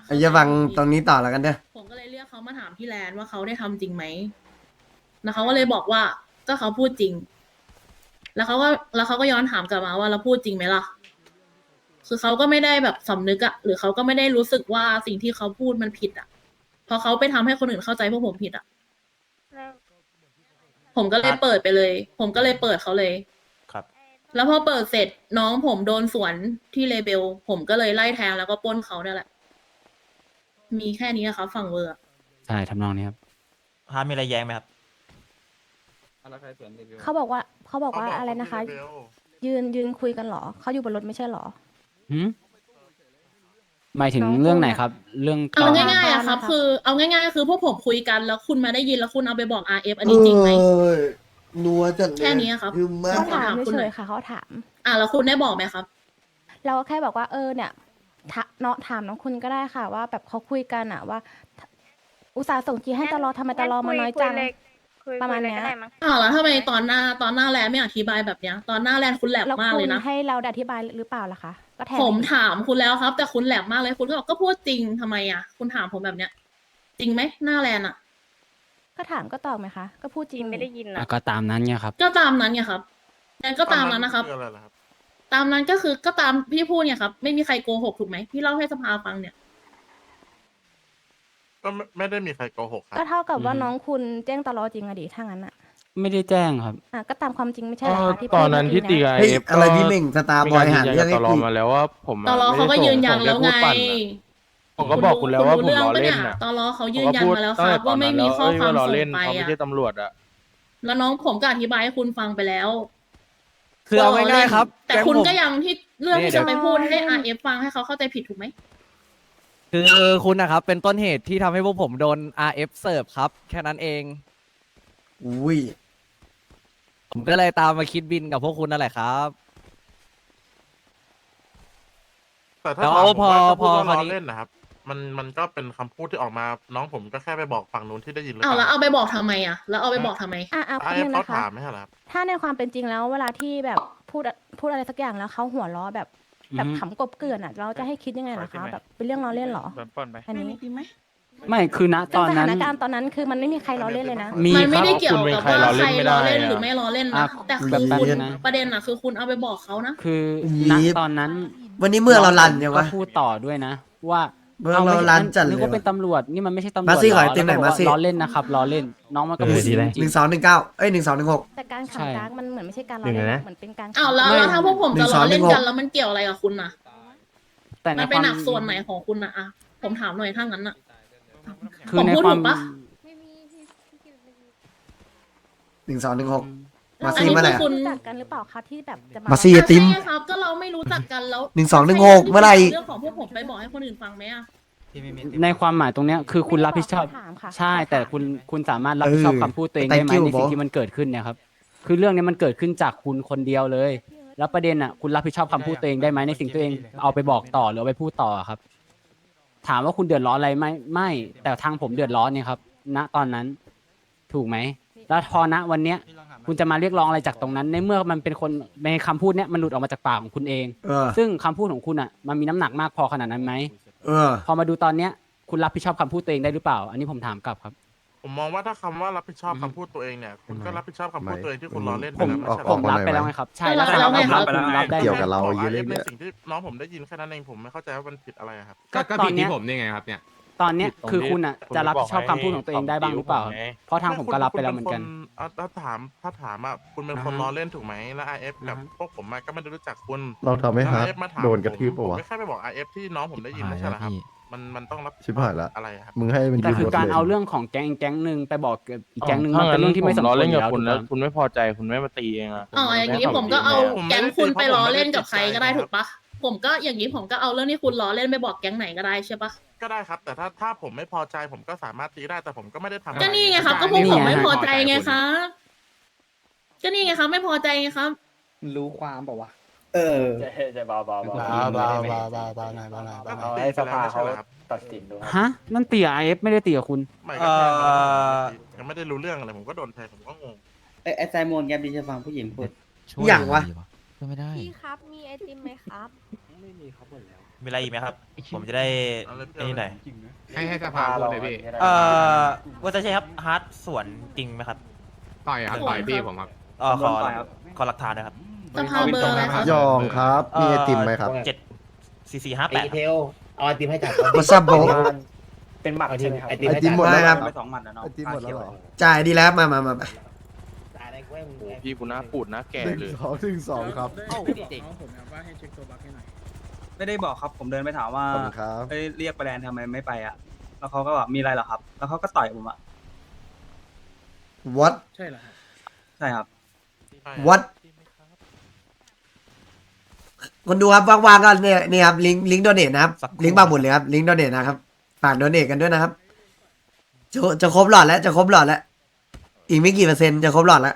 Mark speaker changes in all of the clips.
Speaker 1: ไอ้จะฟังตรงนี้ต่อแล้วกันเด้อ
Speaker 2: ผมก็เลยเรียกเขามาถามที่แลนด์ว่าเขาได้ทำจริงไหมแล้วเขาก็เลยบอกว่าก็เขาพูดจริง แล้วเขาก็ย้อนถามกลับมาว่าเราพูดจริงไหมล่ะ คือเขาก็ไม่ได้แบบสำนึกอะหรือเขาก็ไม่ได้รู้สึกว่าสิ่งที่เขาพูดมันผิดอะเพราะเขาไปทำให้คนอื่นเข้าใจพวกผมผิดอะผมก็เลยเปิดไปเลย ผมก็เลยเปิดเขาเลย
Speaker 3: ครับ
Speaker 2: แล้วพอเปิดเสร็จน้องผมโดนสวนที่เลเบลผมก็เลยไล่แทงแล้วก็ปล้นเขาเนี่ยแหละ มีแค่นี้อะครับฝั่งเวอร์อะ
Speaker 4: ใช่ทำนองนี้ครับ
Speaker 3: ฮาร์ดมีอะไรแย้งไหมครับ
Speaker 5: เขาบอกว่าอะไรนะคะ ยืนคุยกันเหรอเขาอยู่บนรถไม่ใช่เหรอ
Speaker 4: หืมหมายถึง
Speaker 5: น้อง
Speaker 4: เรื่องไหน
Speaker 5: พูดอะ
Speaker 4: ครับ เรื่อง
Speaker 2: เอา
Speaker 4: ก่อน
Speaker 2: ง่ายๆอะครับ คือเอาง่ายๆคือพวกผมคุยกันแล้วคุณมาได้ยินแล้วคุณเอาไปบอก RF อันนี้จริงไหม
Speaker 1: นัวจัดเลย
Speaker 2: แค่นี้ครับ
Speaker 1: คือมา
Speaker 5: เขา
Speaker 1: ก
Speaker 5: ถาม
Speaker 2: คุณ
Speaker 5: เฉ
Speaker 2: หน่
Speaker 5: ย
Speaker 2: อย
Speaker 5: ๆค่ะเขาถาม
Speaker 2: แล้วคุณได้บอกไหมครับ
Speaker 5: เราก็แค่บอกว่าเนี่ยเนาะถามน้องคุณก็ได้ค่ะ ว่าแบบเขาคุยกันอะว่า อุตส่าห์ส่งจีให้ตลอทำไมตลอมาน้อยจัง ประมาณเนี้ย
Speaker 2: แล้วทำไมตอนหน้าแลนไม่อธิบายแบบเนี้ย ตอนหน้าแลนคุณแหลม
Speaker 5: แล้ว
Speaker 2: มาก
Speaker 5: คุ
Speaker 2: เล
Speaker 5: ณ
Speaker 2: ยนะ
Speaker 5: ให้เราอธิบายหรือเปล่าล่ะคะก็แทน
Speaker 2: ผมถามคุณแล้วครับ แต่คุณแหลมมากเลยคุณก็บอกก็พูดจริงทำไมอะคุณถามผมแบบเนี้ย จริงไหมหน้าแลนอะ
Speaker 5: ก็ถามก็ตอบไหมคะ ก็พูดจริงไม่ได้ยิน
Speaker 4: อ่ะก็ตามนั้นไงครับ
Speaker 2: ก็ตามนั้นไงครับแลนก็ตามนั้นนะครับ
Speaker 6: ออะไรล่ะครับ
Speaker 2: ตามนั้นก็คือก็ตามพี่พูดเนี่ยครับ ไม่มีใครโกหกถูกไหมพี่เล่าให้สภาฟังเนี่ย
Speaker 6: ก็ไม่ได้มีใครโกหกครับ
Speaker 5: ก็เท่ากับว่า
Speaker 4: อืม
Speaker 5: น้องคุณแจ้งตลอจริงอะดิถ้างั้นอะ
Speaker 4: ไม่ได้แจ้งครับ
Speaker 5: ก็ตามความจริงไม่ใช่เหรอคะที่
Speaker 7: ตอนนั้นที่
Speaker 5: พูด
Speaker 7: ตี
Speaker 5: เมื่อ
Speaker 7: กับ
Speaker 5: กี้
Speaker 7: ไอ
Speaker 1: เฮ้ย
Speaker 7: เอฟ
Speaker 1: อะไรพี่เม่งสตาร์บอยหา
Speaker 7: มี
Speaker 1: เรื่อง
Speaker 7: ก
Speaker 1: ให้
Speaker 7: ยืนยันกับตลอ
Speaker 1: กู
Speaker 7: มาแล้วว่าผม
Speaker 2: ตลอเขาก็ยืนยันแล้วไง
Speaker 7: ผมก็บอกคุณแล้วว่าผมล้อเล่น
Speaker 2: น่ะ
Speaker 7: น่ะ
Speaker 2: ตลอเขายืนยันมาแล้วครับ
Speaker 7: ผมก็พูด
Speaker 2: ว่าไม่มีข้อความ
Speaker 7: ล้อ
Speaker 2: ส่
Speaker 7: เล่น
Speaker 2: งไป
Speaker 7: เขาไม่
Speaker 2: อะ
Speaker 7: ใช่ตำรวจอะ
Speaker 2: แล้วน้องผมก็อธิบายให้คุณฟังไปแล้ว
Speaker 8: คือเอาง่ายๆครับ
Speaker 2: แต่
Speaker 8: ก๊ง
Speaker 2: คุณ
Speaker 8: ผม
Speaker 2: ก็ยังที่เรื่อง
Speaker 8: นี่
Speaker 2: ที่
Speaker 8: เดี๋
Speaker 2: จะ
Speaker 8: ยว
Speaker 2: ไปพูดให้ RF ฟังให้เขาเข้าใจผิดถูกไหม
Speaker 8: คือคุณนะครับ เป็นต้นเหตุที่ทำให้พวกผมโดน RF เสิร์ฟครับ แค่นั้นเอง
Speaker 1: อุ้ย
Speaker 8: ผมก็เลยตามมาคิดบินกับพวกคุณนั่นแหละครับ
Speaker 6: แต่ถ้า
Speaker 8: แล้ว
Speaker 6: ถามผมว่า
Speaker 8: พอ
Speaker 6: ก็พูดว่า
Speaker 8: คราว
Speaker 6: ล้อ
Speaker 8: นี้
Speaker 6: เล่นนะครับ มันก็เป็นคำพูดที่ออกมา น้องผมก็แค่ไปบอกฝั่งนู้นที่ได้ยินหรือ
Speaker 2: เอา
Speaker 6: เป
Speaker 2: แล้ว
Speaker 6: ล่า
Speaker 2: เอาไปบอกทำไมอะแล้วเอาไปบอกทำไม
Speaker 5: คุณ
Speaker 6: เอ
Speaker 5: นึง
Speaker 6: เขา
Speaker 5: นะคะ
Speaker 6: ถามไม่ใช่เหรอครับ
Speaker 5: ถ้าในความเป็นจริงแล้วเวลาที่แบบพูดอะไรสักอย่างแล้วเขาหัวล้อแบบขำกบเกลื่อนอ่ะ เราจะให้คิดยังไงล่ะคะแบบเป็นเรื่องล้อเล่นเหรออันนี้
Speaker 4: ไม่คือณต
Speaker 5: ซึ่ง
Speaker 4: อน
Speaker 5: ส
Speaker 4: นั้
Speaker 5: ถาน นการณ์ตอนนั้นคือมันไม่มีใครล้อเล่นเลยนะ
Speaker 4: มี
Speaker 2: มัน
Speaker 4: ค
Speaker 2: ไม่
Speaker 4: รับ
Speaker 2: ได้เกี่ยวกับว่าใครล้อเล่นหรือไม่ล้อเล่น
Speaker 4: อ่ะ
Speaker 2: นะแต่คือ
Speaker 4: แบบ
Speaker 2: คุณ
Speaker 4: นั้นนะ
Speaker 2: ประเด็นอะคือคุณเอาไปบอกเขานะ
Speaker 4: คือ
Speaker 1: ยี
Speaker 4: ณ
Speaker 1: บ
Speaker 4: ตอนนั้น
Speaker 1: วันนี้เมื่อเรารันยัง
Speaker 4: ก็
Speaker 1: วะ
Speaker 4: พูดต่อด้วยนะ ว่า
Speaker 1: เมื่อเรารันจัดเลย
Speaker 4: นึกว่าเป็นตำรวจนี่มันไม่ใช่ตำรวจ
Speaker 1: มาสิ
Speaker 4: เหร
Speaker 1: ขอไอติมหน่อย
Speaker 4: แล้วก็บก
Speaker 1: มาสิ
Speaker 4: ว่ล้อเล่นนะครับล้อเล่น น้องมันก็พูดจริง
Speaker 1: หนึ่งสองหนึ่งเก้าเอ้ย1216
Speaker 5: แต่การ
Speaker 4: ใช่
Speaker 5: ขำกากมันเหมือนไม่ใช่การล้อเล่นนะเหมือนเป็นการ
Speaker 2: อ้าวแล้ว
Speaker 4: ไม่
Speaker 2: แล้วถ้าพวกผมจะล้อเล่นกัน
Speaker 1: 1216
Speaker 2: แล้วมันเกี่ยวอะไรกับคุณน่ะ
Speaker 4: แต่
Speaker 2: มัน
Speaker 4: ใน
Speaker 2: เป็
Speaker 4: คน วาม
Speaker 2: หนักส่วนไหนของคุณน่ะอะผมถามหน่อยถ้างั้นน่ะ
Speaker 4: คือ
Speaker 2: ผม
Speaker 4: ใน
Speaker 2: พูด
Speaker 4: ควา
Speaker 2: ถู
Speaker 4: ม
Speaker 2: กปะ
Speaker 1: 1216 มา
Speaker 2: อัน
Speaker 1: ซี่
Speaker 2: นี้
Speaker 1: เมื่อไหร่
Speaker 2: คือคุณ
Speaker 5: รู้จักกันหรือเปล่าคะที่แบบจะ
Speaker 1: มาซี่ ไอติม
Speaker 2: ใช่ครับ ก็เราไม่รู้จักกันแล้ว
Speaker 1: 1216เมื่อไหร่
Speaker 2: เรื่องของพวกผมไปบอกให้คนอื่นฟังไหมอะ
Speaker 4: ในความหมายตรงเนี้ยคือคุณรับผิดชอบ
Speaker 5: ถามค่ะ
Speaker 4: ใช่แต่คุณสามารถรับผิดชอบคำพูดตัวเองได้ไหม
Speaker 1: Thank you
Speaker 4: ในสิ่ง
Speaker 1: บอส
Speaker 4: ที่มันเกิดขึ้นเนี่ยครับคือเรื่องนี้มันเกิดขึ้นจากคุณคนเดียวเลย แล้วประเด็นอ่ะคุณรับผิดชอบคำพูดตัวเองได้ไหมในสิ่งตัวเองเอาไปบอกต่อหรือเอาไปพูดต่อครับ ถามว่าคุณเดือดร้อนอะไรไหมไม่ แต่ทางผมเดือดร้อนเนี่ยครับ ณตอนนั้น ถูกไหมแล้วพอณวันเนี้ย คุณจะมาเรียกร้องอะไรจากตรงนั้น ในเมื่อมันเป็นคนในคำพูดเนี้ยมันหลุดออกมาจากปากของคุณเอง
Speaker 1: เออ
Speaker 4: ซึ่งคำพูดของคุณอ่ะมันมีน้ำหนักมากพอขนาดนั้นไหม
Speaker 1: เออ
Speaker 4: พอมาดูตอนเนี้ยคุณรับผิดชอบคำพูดตัวเองได้หรือเปล่า อันนี้ผมถามกลับครับ
Speaker 6: ผมมองว่าถ้าคำว่ารับผิดชอบคำพูดตัวเองเนี่ย คุณก็รับผิดชอบคำพูดตัวเองที่คุณล้อเล่นไป
Speaker 4: ผม
Speaker 6: แล้วไม่ใช่เหร
Speaker 4: ผ
Speaker 6: อ
Speaker 4: มรับไปแล้วไงครับ ใช่
Speaker 2: แล้วไงครับ
Speaker 4: ผมรับได้
Speaker 6: เกี่ยว
Speaker 4: ไง
Speaker 6: กับเราเยอะเลยในสิ่งที่น้องผมได้ยินแค่นั้นเองผมไม่เข้าใจว่ามันผิดอะไรอะครับ
Speaker 4: ก็ผิดที่ผมนี่ไงครับเนี่ยตอนเนี้ยคือคุณอ่ะจะรับผิดชอบคำพูดของตัวเองได้บ้างหรือเปล่าครับเพราะทางผมก็รับไปแล้วเหมือนกัน
Speaker 6: ถ้าถามอ่ะคุณเป็นคนล้อเล่นถูกไหมแล้ว IF กับพวกผมอะก็ไม่ได้รู้จักคุณ
Speaker 7: เราทำให้
Speaker 6: แล้ว
Speaker 7: ฮาร์ด
Speaker 6: IF มาถาม
Speaker 7: โดนกระทืบ
Speaker 6: ผม
Speaker 7: ปะวะ
Speaker 6: ไม่แค่ไปบอก IF ที่น้องผมได้ยินไม่ใช่เหรอครับ มันต้องรับผิด
Speaker 7: ชิบหายละ
Speaker 6: อะไรอะครับ
Speaker 7: มึงให้มัน
Speaker 4: แต่
Speaker 7: ยืน
Speaker 4: คือ
Speaker 7: รถ
Speaker 4: การ
Speaker 7: เลย
Speaker 4: เอาเรื่องของแก๊งหนึ่งไปบอกกับอีกแก๊งหนึ่งมันเป็นเรื่องที่ไม่สมควรอยู่แล้วถูกไหม
Speaker 7: คุณไม่พอใจคุณไม่มาตีเองอะ
Speaker 2: อ๋ออย่างนี้ผมก็เอาแก๊งคุณไปล้อเล่นกับใครก็ได้ถูกปะผมก็อย่างนี้ผมก็เอาเรื่องที่คุณล้อเล่นไปบอกแก๊งไหนก็ได้ใช่ปะ
Speaker 6: ก็ได้ครับ แต่ถ้าผมไม่พอใจผมก็สามารถตีได้แต่ผมก็ไม่ได้ทำอะร
Speaker 2: ก็นี่ไงครับ ก็พวกผมไม่พอใจไงครับก็นี่ไงครับ ไม่พอใจไงครับ
Speaker 9: รู้ความเปล่าวะ
Speaker 3: จะเบาๆ
Speaker 9: บ้าหน่อยบ้าหน่อย
Speaker 6: ก็ให้สภาเขาครับ
Speaker 3: ตัดสินดู
Speaker 4: ฮะนั่นตีกับ IF ไม่ได้ตีกับคุณ
Speaker 6: ไม่ก็แทงมาแล้วยังไม่ได้รู้เรื่องอะไรผมก็โดนแทงผมก็งง
Speaker 9: ไอ้ไซมอนแกดีจะฟังผู้หญิงพูด
Speaker 1: อย่างวะ
Speaker 5: พี่ครับมีไอติมไหมครับ
Speaker 3: มีอะไรอีกไหมครับ ผมจะได้ไอ้นี่หน่อย
Speaker 10: ให้สภาพูดเลยพี่
Speaker 3: ว่าจะใช่ครับฮาร์ดสวนจริงไหมครับ
Speaker 10: ต่อยครับต่อยพี่ผมครับ
Speaker 3: ขอหลักฐานนะครับ
Speaker 2: สภาเบอร์อะไรครับ
Speaker 1: ยองครับมีไอติมไหมครับ
Speaker 3: 74458
Speaker 9: เทลเอาไอติมให้จัด
Speaker 1: What's up bro
Speaker 9: เป็นหมักใช่ไหมครับ
Speaker 1: ไอติมหมดแล้วครับ
Speaker 9: ไป2 หมัดนะน้อง
Speaker 1: ไอติมหมดแล้วเหรอจ่ายดีแล้วมา
Speaker 9: จ่ายอะไรกูให้มึง
Speaker 7: โอ้พี่กูหน้าปูดหน้าแก่เลย
Speaker 1: 2 ครับ
Speaker 8: ไม่ได้บอกครับผมเดินไปถามว่า
Speaker 1: ขอบคุณครับ
Speaker 8: เรียกไปแลนทำไมไม่ไปอ่ะแล้วเขาก็บอกมีอะไรเหรอครับ แล้วเขาก็ต่อยผมอ่ะ
Speaker 1: what
Speaker 8: ใช่ครับ
Speaker 1: what คนดูครับว่างๆก็เนี่ยครับลิงก์โดเนทนะครับ
Speaker 3: สักครู่
Speaker 1: ลิงก์บางหมุดเลยครับลิงก์โดเนทนะครับฝากโดเนทกันด้วยนะครับจะครบหลอดแล้วจะครบหลอดแล้วอีกไม่กี่เปอร์เซ็นต์จะครบหลอดแล้ว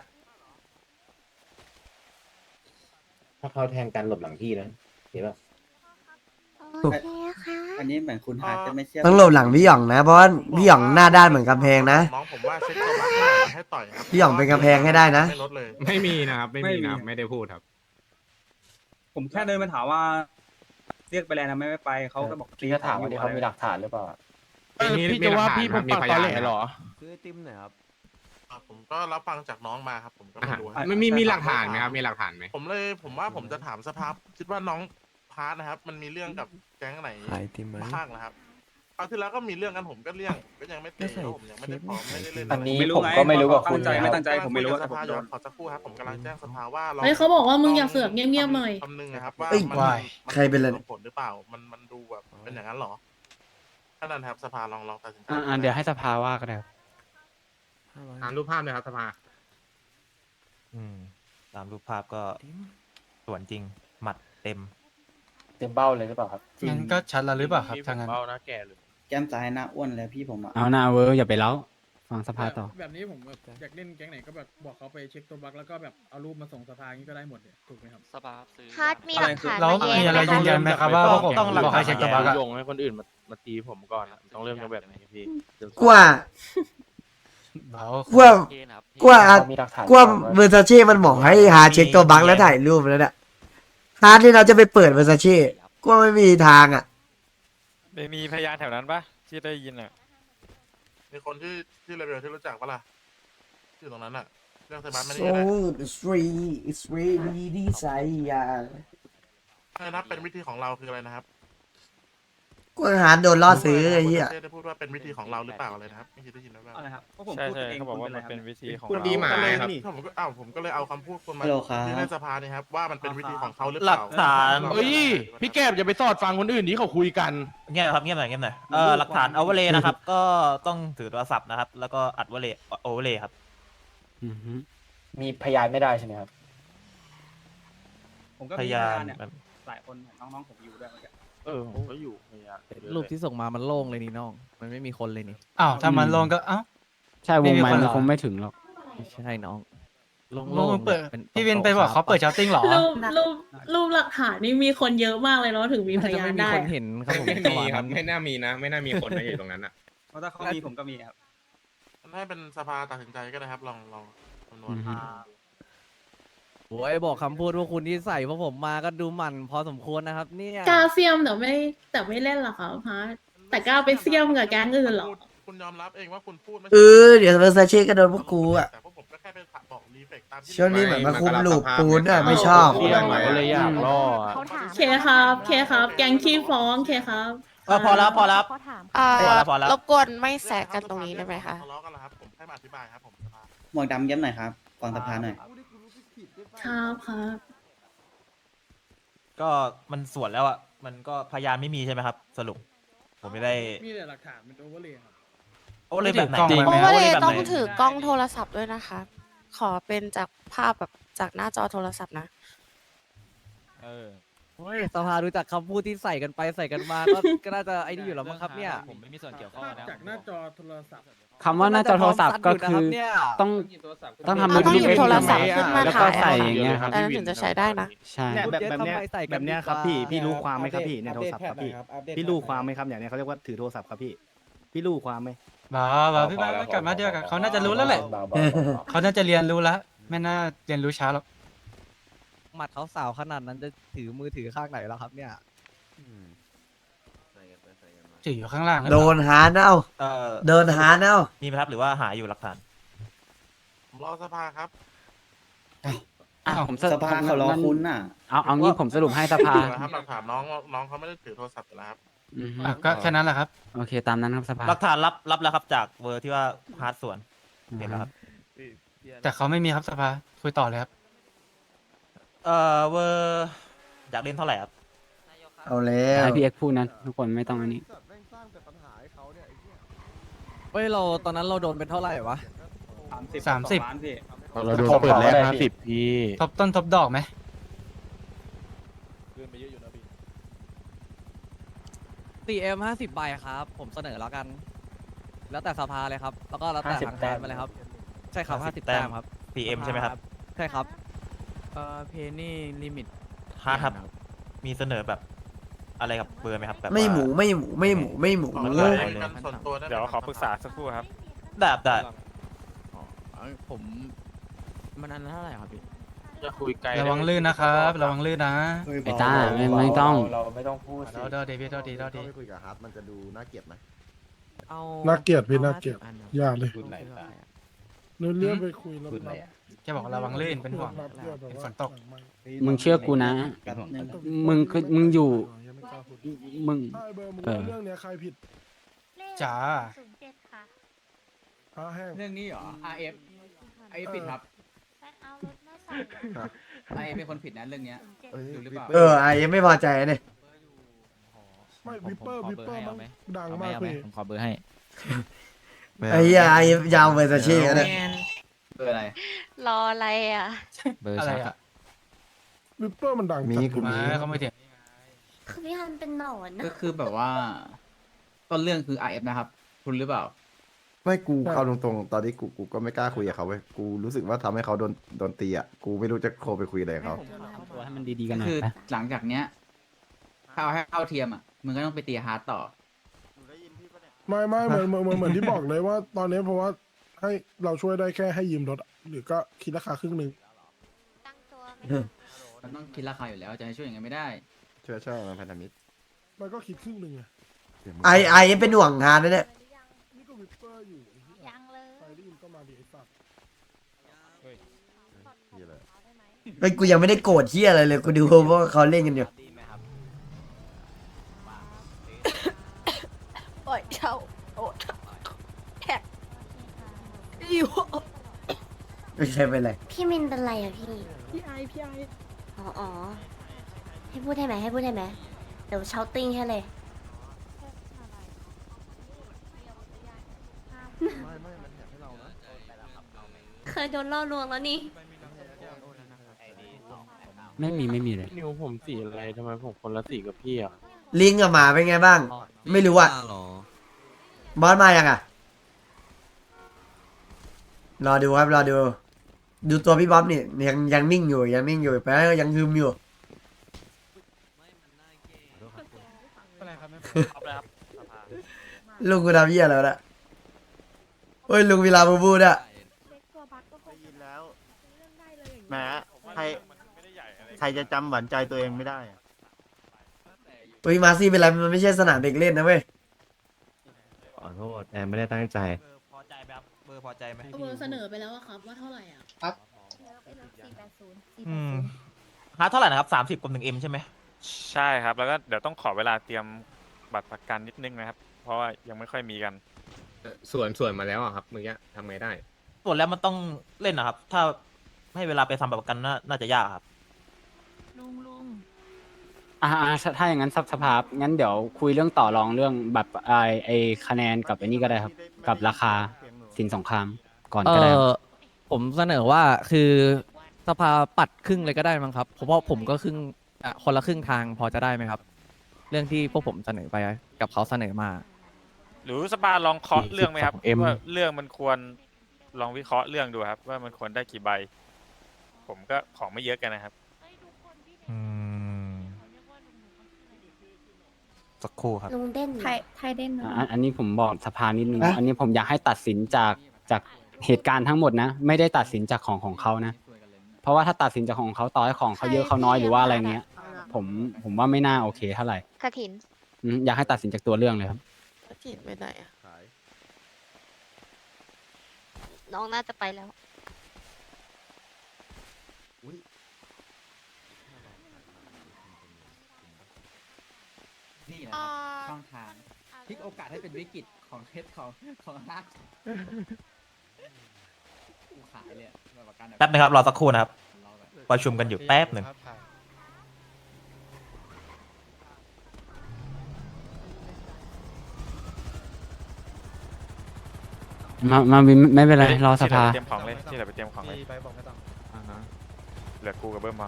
Speaker 9: ถ้าเขาแทงกันหลบหลังพี่นะเห็นป่ะ
Speaker 5: โอเคค่ะ
Speaker 9: อันนี้เหมือนคุณฮาร์ดจะไม่เชื่อ
Speaker 1: ต้องหลบหลังพี่หยองนะเพราะว่าพี่หยองหน้าด้านเหมือนกำแพงนะ
Speaker 6: น้องผมว่าเช็คตัวบัคให้หน่อยให้ต่อยครับ
Speaker 1: พี่หยองเป็นกำแพงให้ได้นะ
Speaker 6: ไม่ลดเลย
Speaker 10: ไม่มีนะครับ ไม่มีนะครับ
Speaker 8: ไม่มี
Speaker 10: ไม่ได้พูดครับ
Speaker 8: ผมแค่เดินไปถามว่า เรียกไปแลนทำไมไม่ไปเขาก็บอก
Speaker 9: พี่ก็ถามว่าที่เขามีหลักฐานหรือเปล่า
Speaker 7: พี่จะว่าพี่ผมปากตอแหลเหรอ
Speaker 10: ซื้อไอติมหน่อยครับ
Speaker 6: ผมก็รับฟังจากน้องมาครับผมก็ไม่รู้ครับ
Speaker 10: ไม่มีหลักฐานไหมครับ มีหลักฐานไหม
Speaker 6: ผมว่าผมจะถามสภาคิดว่าน้องพาร์ทนะครับ มันมีเรื่องกับแก๊งไหนบ้างนะครับคราวที่แล้วก็มีเรื่องกันผมก็เลี่ยงก็ยังไม่เตะเพราะผมยังไม่ได้พร้อมไม่ได้เล่น
Speaker 9: อันนี้
Speaker 8: ไม่รู้
Speaker 9: ผม
Speaker 8: ไง
Speaker 9: ก็ไม่รู้ว่าคุณ
Speaker 8: ตั้งใจไม่ตั้งใจผมไม่รู้
Speaker 6: ส
Speaker 8: แต่ผม
Speaker 6: ภา
Speaker 8: โด
Speaker 6: ย้อน นขอสักครู่ครับผมกำลังแจ้งสภาว่าเรา
Speaker 2: เฮ้ยเขาบอกว่ามึงอย่าเสือกเงียบๆหน่อย
Speaker 6: คำนึงนะครับว่า
Speaker 1: เอ้ย
Speaker 6: มัน
Speaker 1: วายใครเป็นอะไร
Speaker 6: ผลหรือเปล่ามันดูแบบเป็นอย่างนั้นเหรอถ้านั้นครับสภาลองตัดสินใจ
Speaker 4: เดี๋ยวให้สภาว่าก็ได้ครับ
Speaker 10: อ่านรูปภาพเลยครับสภา
Speaker 3: ตามรูปภาพก็สวนจริง หมัดเต็ม
Speaker 9: เต็มเบ้าเลยหรือเปล่าครับ
Speaker 7: งั้นก็ชัดแล้วหรือเปล่าครับทางนั้นเบ้าหน้าแก่เลย
Speaker 9: แก้มซ้ายหน้าอ้วนเลยพี่ผมอ่ะ
Speaker 4: เอาหน้าเวอร์อย่าไปเล้าฟังสภาต่อ
Speaker 11: แบบนี้ผมแบบอยากเล่นแก๊งไหนก็แบบบอกเขาไปเช็คตัวบั๊กแล้วก็แบบเอารูปมาส่งสภาอย่างนี้ก็ได้หมดเลยถูกไหมครับ
Speaker 5: ฮาร์ดมีหลักฐาน
Speaker 7: แล้ว
Speaker 5: มา
Speaker 7: มี
Speaker 5: แย้ง
Speaker 7: อะไร
Speaker 5: ไหม
Speaker 7: ยืนยั
Speaker 5: คะ
Speaker 7: นไหมครับว่าผม
Speaker 3: ต้องหลัก
Speaker 7: บอก
Speaker 3: ฐาน
Speaker 7: ให้เช็คตัวบั๊กอะโยงให้คนอื่นมาตีผมก่อนอะต้องเริ่มจากแบบไหนพี่
Speaker 1: กว่า กว่า กว่า
Speaker 9: มีหลักฐาน
Speaker 1: กว่าเวอร์ซาเช่มันบอกให้หาเช็คตัวบั๊กแล้วถ่ายรูปแล้วเนี่ยฮาร์ดที่เราจะไปเปิดเวอร์ซาเช่กว่าไม่มีทางอ่ะ
Speaker 7: ไม่มีพยานแถวนั้นปะที่ได้ยินอ่ะ
Speaker 6: มีคนที่เลเวลที่รู้จักปะล่ะที่อยู่ตรงนั้นอ่ะเรื่องไซบัสไม่ได้
Speaker 1: so
Speaker 6: นะ
Speaker 1: it's really desire
Speaker 6: อะไรนะเป็นวิธีของเราคืออะไรนะครับ
Speaker 1: กว่าฮาร์ดโดนล่อซื้อไอ้เหี้ย
Speaker 6: ได้พูดว่าเป็นวิธีของเราหรือเปล่าอะไรนะครับไม่คิดได้ยินหรือเปล่า
Speaker 8: อะไรครับเพราะผม
Speaker 7: ใช่
Speaker 8: พูด
Speaker 7: ใช่
Speaker 8: เอง
Speaker 7: เขาบอกว่า
Speaker 8: คุณ
Speaker 7: มันเป็น
Speaker 8: ไร
Speaker 7: วิธีของ
Speaker 10: คุณ
Speaker 7: เรา
Speaker 10: ดีหมา
Speaker 6: ก็เลย
Speaker 10: ครับ
Speaker 6: ผมก็เลยเอาคำพูดคุณมา
Speaker 9: ฮัลโหลครับ
Speaker 6: ที่ในสภานี่ครับว่ามันเป็นวิธีของเขาหรือเป
Speaker 3: หลั
Speaker 6: ล่าก
Speaker 3: ฐาน
Speaker 7: เฮ้ย พี่แก้มอย่าไปสอดฟังคนอื่นที่เขาคุยกัน
Speaker 3: เงียบครับเงียบหน่อยหลักฐานเอาเวเลนะครับ ก็ต้องถือโทรศัพท์นะครับ แล้วก็อัดเวเลโอเวเลครับ
Speaker 4: อือฮึ
Speaker 9: มีพยานไม่ได้ใช่ไหมครับ
Speaker 8: ผมก็
Speaker 3: พ
Speaker 8: มี
Speaker 3: ยาน
Speaker 8: เนี่ยหลายคนน้องๆผมอยู่ด้วยเมื่อกี้
Speaker 7: ผมก็อยู่พยาน
Speaker 8: รูปที่ส่งมามันโล่งเลยนี่น้อง มันไม่มีคนเลยนี่
Speaker 7: อ้าวถ้ามันลงก็อ้าว
Speaker 4: ใช่วงไม้
Speaker 7: ไม่มีคน
Speaker 4: มัน
Speaker 7: เหรอ
Speaker 4: คงไม่ถึงหรอก
Speaker 8: ไม่ใช่น้องโล่ง
Speaker 7: ลง
Speaker 8: ๆ
Speaker 7: เปิด
Speaker 8: ป็
Speaker 7: พี่วินไปบอกเขาเปิดชาร์ติ้งเหรอ
Speaker 2: รูปหลักฐานนี่มีคนเยอะมากเลยเนาะถึงมีพ
Speaker 8: น่าจะ
Speaker 2: ยาน
Speaker 8: ไม่มี
Speaker 2: ได้
Speaker 8: คนเห็นครับผม
Speaker 10: ไม่
Speaker 8: จังห
Speaker 10: มี
Speaker 8: วะ
Speaker 10: ครับ
Speaker 8: นั้น
Speaker 10: ไม่น่ามีนะ ไม่น่ามีคนนะอยู่ตรงนั้นอ่ะ
Speaker 8: เพราะถ้าเขามีผมก็มีครับ
Speaker 6: ให้เป็นสภาตัดสินใจก็ได้ครับลองคำนวณ
Speaker 4: อือฮึ
Speaker 8: โอ้ยบอกคำพูดว่าคุณที่ใส่พวกผมมาก็ดูหมั่นพอสมควรนะครับเนี่ย
Speaker 2: กล้าเสียมแต่ไม่เล่นหรอคะฮะแต่กล้าไปเสียมกับแก๊งอื่นเหรอ
Speaker 6: คุณยอมรับเองว่าคุณพูดไม่
Speaker 1: เดี๋ยวเวอร์ซาเช่ก็โดนพวกกูอ่ะ
Speaker 6: แต่พวกผมก็แค่ไปบอกรีเฟกตามที่
Speaker 1: ช่วงนี้เหมือนมาคุมลูปปูนอ่ะไม่ชอบ
Speaker 7: เที่ยงหน่อยก็เลยอยากล่ออะ
Speaker 5: เขาถาม
Speaker 2: เคครับเคครับ แก๊งขี้ฟ้องเคครับ
Speaker 3: พอแล้ว
Speaker 5: เขาถาม
Speaker 3: พอแล้ว
Speaker 2: รบกวนไม่แสกกันตรงนี้ได้ไหมคะ
Speaker 6: ทะเลาะกันแล้วครับผมแค่มาอธิบายครับผมสภา
Speaker 9: หมวกดำย้ำหน่อยครับฟังสภาหน่อย
Speaker 2: ครับครับ
Speaker 3: ก็มันสวนแล้วอ่ะ มันก็พยานไม่มีใช่ไหมครับ สรุป ผมไม่ได้
Speaker 11: มีแต่หลักฐานเป็นโอเวอร์เลยครับ
Speaker 3: โอเลยแบบไหน
Speaker 7: จริง
Speaker 3: โอเลยแบบไหน
Speaker 2: ต้องถือกล้องโทรศัพท์ด้วยนะคะ ขอเป็นจากภาพแบบจากหน้าจอโทรศัพท์นะ
Speaker 7: เออ
Speaker 8: โอ้ยสภาดูจากคำพูดที่ใส่กันไปใส่กันมาก็น่าจะไอ้นี่อยู่แล้วมั้งครับเนี่ย
Speaker 7: ผมไม่มีส่วนเกี่ยวข้องนะ
Speaker 11: จากหน้าจอโทรศัพท์
Speaker 4: คำว่าหน้าจอโทรศัพท์ก็คือต้องทำ
Speaker 2: ต้องหยิบโทรศัพท์ขึ้นมา
Speaker 4: แล้วก็
Speaker 2: ถ่าย
Speaker 4: ใส่อย่างเงี้ยครับ
Speaker 2: อันนั้นถึงจะใช้ได้นะ
Speaker 4: ใช่
Speaker 8: แบบเนี้ยครับพี่รู้ความไหมครับพี่ในโทรศัพท์ครับพี่
Speaker 9: พี่รู้ความไหมครับอย่างนี้เขาเรียกว่าถือโทรศัพท์ครับพี่พี่รู้ความไหม
Speaker 7: บ้าพี่บ้ากลับมาเดียวกันเขาน่าจะรู้แล้วแหละ เขาน่าจะเรียนรู้แล้ว ไม่น่าเรียนรู้ช้าหรอก
Speaker 8: หมัดเขาสาวขนาดนั้นจะถือมือถือข้างไหนแล้วครับเนี่ย
Speaker 7: จืออยู่ข้างล่างหรือ
Speaker 1: โด
Speaker 7: เปล่า
Speaker 1: นหาเน่า
Speaker 3: เอ่อ
Speaker 1: โดนหาเน่า
Speaker 3: มีไหมครับหรือว่าหาอยู่หลักฐาน
Speaker 6: ผมรอสภาครับ
Speaker 4: อ่ะผม
Speaker 9: สภาเขารอคุณน่ะ
Speaker 4: เอางี้ผมสรุปให้สภา
Speaker 6: ครับหลักฐานน้องเขาไม่ได้ถือโทรศัพท์อยู่แล้วครับ
Speaker 4: อือฮึ
Speaker 7: ก็แค่นั้นแหละครับ
Speaker 4: โอเคตามนั้นครับสภา
Speaker 3: หลักฐานรับแล้วครับจากเวอร์ที่ว่าฮาร์ดส่วนเห็นแล้วครับ
Speaker 7: แต่เขาไม่มีครับสภาคุยต่อเลยครับ
Speaker 3: เวอร์อยากเล่นเท่าไหร่ครับ
Speaker 1: เอาแล้ว
Speaker 4: ให้พี่เอ็กซ์พูดนั้นทุกคนไม่ต้องอันนี้
Speaker 8: เฮ้ยเราตอนนั้นเราโดนเป็นเท่าไหร่วะ
Speaker 7: 30
Speaker 10: เราโดนเปิดแรก50พี่
Speaker 7: ทบต้นทบดอกไหม
Speaker 8: 4M 50 ใบครับ ผมเสนอแล้วกัน แล้วแต่สภาเลยครับ แล้วก็แล้วแต่ทางการไปเลยครับ ใช่ครับ 50 แต้มครับ
Speaker 3: PM ใช่ไหมครับ
Speaker 8: ใช่ครับเพนี่ลิมิต
Speaker 3: ฮาร์ดครับ มีเสนอแบบอะไรกับเบอร์ไหมครับแบบ
Speaker 1: ไม่หมู
Speaker 3: ว่า
Speaker 1: ไม่หมูไม่หมูไม่หมู
Speaker 6: ขอ
Speaker 3: เลย
Speaker 6: คุยกันส่วนตัวได้ไหม
Speaker 10: เดี๋ยว
Speaker 6: ครับ
Speaker 10: ขอปรึกษาสักครู่ครับ
Speaker 3: ได้
Speaker 8: ผมมันอันเท่าไหร่ครับพี่
Speaker 10: จะคุยไกล
Speaker 7: ระวังลื่นนะครับระวังลื่นนะ
Speaker 4: ไอ้ต้าไม่ต้อง
Speaker 10: เราไม่ต้องพูดสิ
Speaker 7: เดาเดวิดเดาดีเดาดี
Speaker 9: ไม่คุยกับฮัทมันจะดูน่าเกลียดไหม
Speaker 8: เอา
Speaker 11: น่าเกลียดพี่น่าเกลียด
Speaker 8: 50อันครับ
Speaker 11: อย่าเลย
Speaker 10: พูดไหนล่ะ
Speaker 11: เรื่องเรื่องไปคุยแล้ว
Speaker 10: พูดอะไรอ่ะ
Speaker 7: แกบอกระวังลื่นเป็นห่วง เป็นฝนตก
Speaker 4: มึงเชื่อกูนะ มึงคือมึงอยู่ มึง
Speaker 11: ใช่เบอร์มึง
Speaker 4: เออ
Speaker 11: เรื่องเนี้ยใครผิด
Speaker 7: จ๋า
Speaker 11: ผ้าแห้ง
Speaker 9: เรื่องนี้เหรอ RF ไอ้ผิดครับ RF เป็นคนผิดนะเรื่องเนี้ยดูหรือเปล่า
Speaker 1: ไอ้ยังไม่พอใจเนี่ย
Speaker 11: ไม่วิปเปอร์มันดัง
Speaker 8: เอาไหม
Speaker 11: มาก
Speaker 8: เอาไหม
Speaker 11: พี่
Speaker 8: ผมขอเบอร์ให้
Speaker 1: ไอ้เหี้ยไอ้ยาวเวอร์ซาเช่กันเนี่ย
Speaker 9: เบอร์อะไร
Speaker 5: รออะไรอ่ะ
Speaker 8: เบอร์
Speaker 7: อะไร
Speaker 8: ชัก
Speaker 7: อ่ะ
Speaker 11: วิปเปอร์มันดังจัด
Speaker 7: มาเขาไม่เถียง
Speaker 5: คือพี่ฮันเป็นหนอน
Speaker 9: ก็คือแบบว่า ต้นเรื่องคือ RF นะครับ คุณหรือเปล่า
Speaker 12: ไม่กูเข้าตรงๆ ตอนนี้กูก็ไม่กล้าคุยกับเขาเว้ย กูรู้สึกว่าทำให้เขาโดนตีอ่ะ กูไม่รู้จะโทรไปคุยอะไรกับเขา
Speaker 4: ทำตัวให้มันดีๆกันหน่อ
Speaker 9: คื
Speaker 4: ย
Speaker 9: อ
Speaker 4: นะ
Speaker 9: หลังจากเนี้ยถ้าเอาให้เข้าเทียมอ่ะมึงก็ต้องไปตีฮาร์ดต่อ
Speaker 11: ไม่เหมือนที่บอกเลยว่า ตอนนี้เพราะว่าให้เราช่วยได้แค่ให้ยืมรถอะหรือก็คิดราคาครึ่งหนึ่ง
Speaker 5: ตั้งตัว
Speaker 9: มันต้องคิดราคาอยู่แล้วจะให้ช่วยอย่างไงไม่ได้
Speaker 12: ช่วยมันพันธมิตร
Speaker 11: มันก็คิดครึ่งหนึ่งไง
Speaker 12: เดี๋ยวมึง
Speaker 1: ไอ้ยังเป็นห่วงงานนะเนี่ย
Speaker 11: นี่ก็วิปเปอร์อยู่
Speaker 5: ยังเลย
Speaker 11: ใครได้ยินก็มาดีไอ้สัตว์
Speaker 12: เหี้ยเลย
Speaker 1: ไอ้ยกูยังไม่ได้โกรธเหี้ยอะไรเลย กูดูว่าเขาเล่นกันอยู่
Speaker 5: ปล่อยเช่าโอ้แท็กอยู่
Speaker 1: ไม่ใช่เป็นไร
Speaker 5: พี่มินเป็นไรอ่ะพี่
Speaker 2: พี่ไอ
Speaker 5: อ๋อ ให้พูดได้ไหมให้พูดได้ไหมเดี๋ยวเชาติ้งให้เลย เคยโดนล่อลวงแล้วนี่
Speaker 4: ไม่มีเลย
Speaker 10: นิวผมสีอะไรทำไมผมคนละสีกับพี่อ่ะ
Speaker 1: ลิงกับหมาเป็นไงบ้าง ไม่รู้อ่ะบอสมายังอ่ะ รอดูครับรอดู ดูตัวพี่บ๊อบนี่ยังนิ่งอยู่แปลว่ายังฮึมอยู่ ลุงกูทำเหี้ยแล้วนะเฮ้ยลุงเวลาบูบูเนี่ย
Speaker 9: ได้ยินแล้วแหมใครจะจำหวานใจตัวเองไม่ได้
Speaker 1: เฮ้ยมาซี่เป็นไรมันไม่ใช่สนามเด็กเล่นนะเว้ย
Speaker 10: ขอโทษแอนไม่ได้ตั้งใจ
Speaker 3: พอใจไหมครับ เบอร์พอใจไหม
Speaker 2: เบอร์เสนอไปแล้วอะครับว่าเท่าไหร่อ่ะ
Speaker 3: ฮาร์ดเท่าไหร่นะครับ30กับ1M ใช่ไหม
Speaker 10: ใช่ครับ แล้วก็เดี๋ยวต้องขอเวลาเตรียมบัตรประกันนิดนึงนะครับ เพราะว่ายังไม่ค่อยมีกัน
Speaker 6: ส่วนมาแล้วอะครับเมื่อกี้ทำไงได้
Speaker 3: ส่วนแล้วมันต้องเล่นนะครับ ถ้าให้เวลาไปทำแบบประกันน่าจะยากครับ
Speaker 4: ถ้าอย่างนั้นสภาพงั้นเดี๋ยวคุยเรื่องต่อรองเรื่องแบบไอคะแนนกับไอ้นี่ก็ได้ครับ กับราคาสินสงครามก่อนก็ได้ครับ
Speaker 8: ผมเสนอว่าคือสภาปัดครึ่งเลยก็ได้มั้งครับ เพราะว่าผมก็ครึ่งคนละครึ่งทางพอจะได้ไหมครับ เรื่องที่พวกผมเสนอไปกับเขาเสนอมา
Speaker 10: หรือสปาลองเคาะเรื่องไหมครับ
Speaker 8: 42M
Speaker 10: ว่าเรื่องมันควรลองวิเคราะห์เรื่องดูครับ ว่ามันควรได้กี่ใบ ผมก็ของไม่เยอะกันนะครับ
Speaker 3: สักครู่ครับ
Speaker 5: ลุงเด่น
Speaker 2: ไทยเด่น
Speaker 4: อันนี้ผมบอกสภานิดนึง อันนี้ผมอยากให้ตัดสินจากเหตุการณ์ทั้งหมดนะ ไม่ได้ตัดสินจากของเขานะ เพราะว่าถ้าตัดสินจากของเขาต่อให้ของเขาเยอะเขาน้อยหรือว่าอะไรเงี้ย ผมว่าไม่น่าโอเคเท่าไหร่
Speaker 5: กระถิน
Speaker 4: อยากให้ตัดสินจากตัวเรื่องเลยครับ
Speaker 13: จีนไปไหนอะน้องน่าจะไปแล้ว
Speaker 14: นี่นะครับช่องทางพลิกโอกาสให้เป็นวิกฤตของเคสของฮักกูขายเลยแบบประกัน
Speaker 3: แป๊บนึงครับรอสักครู่นะครับประชุมกันอยู่แป๊บหนึ่ง
Speaker 4: มาวินไม่เป็นไรรอสภา
Speaker 10: ที่เหลือไปเตรียมของเลยที่เหลือไปเตรียมของเลย
Speaker 7: ไปบอกไม่ต้อง
Speaker 10: เหลือกูกับเบิ้มพอ